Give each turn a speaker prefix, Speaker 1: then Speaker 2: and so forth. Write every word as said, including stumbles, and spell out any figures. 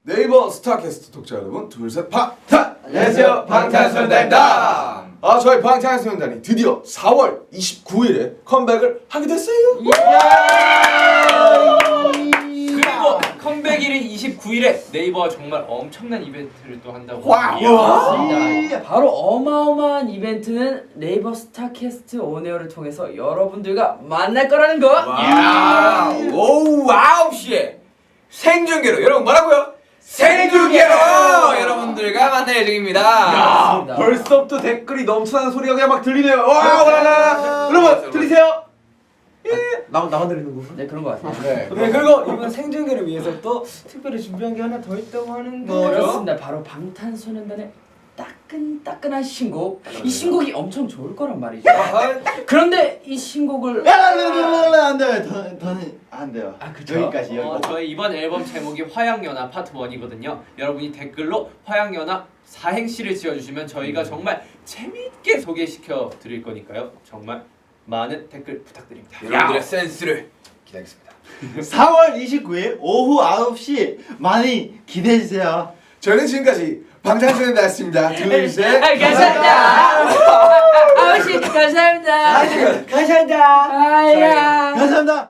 Speaker 1: 네이버 스타캐스트 독자 여러분, 둘셋 방탄!
Speaker 2: 안녕하세요, 방탄소년단입니다.
Speaker 1: 아, 저희 방탄소년단이 드디어 사월 이십구일에 컴백을 하게 됐어요.
Speaker 3: 그리고 컴백일인 이십구일에 네이버가 정말 엄청난 이벤트를 또 한다고
Speaker 1: 와우.
Speaker 3: 합니다.
Speaker 2: 바로 어마어마한 이벤트는 네이버 스타캐스트 온에어를 통해서 여러분들과 만날 거라는 거.
Speaker 4: 야, 오후 아홉 시에 생중계로 여러분 뭐라고요? 생중계로 여러분들과 만날 예정입니다.
Speaker 1: 야, 벌써부터 댓글이 넘쳐나는 소리가 그냥 막 들리네요. 와, 와라. 여러분 들리세요? 예. 나만 나만 들리는 건가?
Speaker 2: 네, 그런 거 같아요.
Speaker 1: 네.
Speaker 5: 네, 그리고 이번 생중계를 위해서 또 특별히 준비한 게 하나 더 있다고 하는데
Speaker 2: 그렇습니다. 바로 방탄소년단의 따끈따끈한 신곡. 이 신곡이 엄청 좋을 거란 말이죠. 그런데 이 신곡을
Speaker 6: 안 돼요. 더, 더는 안 돼요.
Speaker 2: 아, 그쵸?
Speaker 6: 여기까지
Speaker 3: 어,
Speaker 6: 여기.
Speaker 3: 저희 이번 앨범 제목이 화양연화 파트 일이거든요. 여러분이 댓글로 화양연화 사행시를 지어주시면 저희가 정말 재미있게 소개시켜 드릴 거니까요. 정말 많은 댓글 부탁드립니다.
Speaker 4: 여러분들의 센스를 기다리겠습니다.
Speaker 6: 사월 이십구일 오후 아홉 시 많이 기대해 주세요.
Speaker 1: 저희는 지금까지 방탄소년단이었습니다. 둘셋
Speaker 2: 아, 감사합니다. 아버지 감사합니다.
Speaker 5: 감사합니다.
Speaker 2: 아야.
Speaker 6: 감사합니다.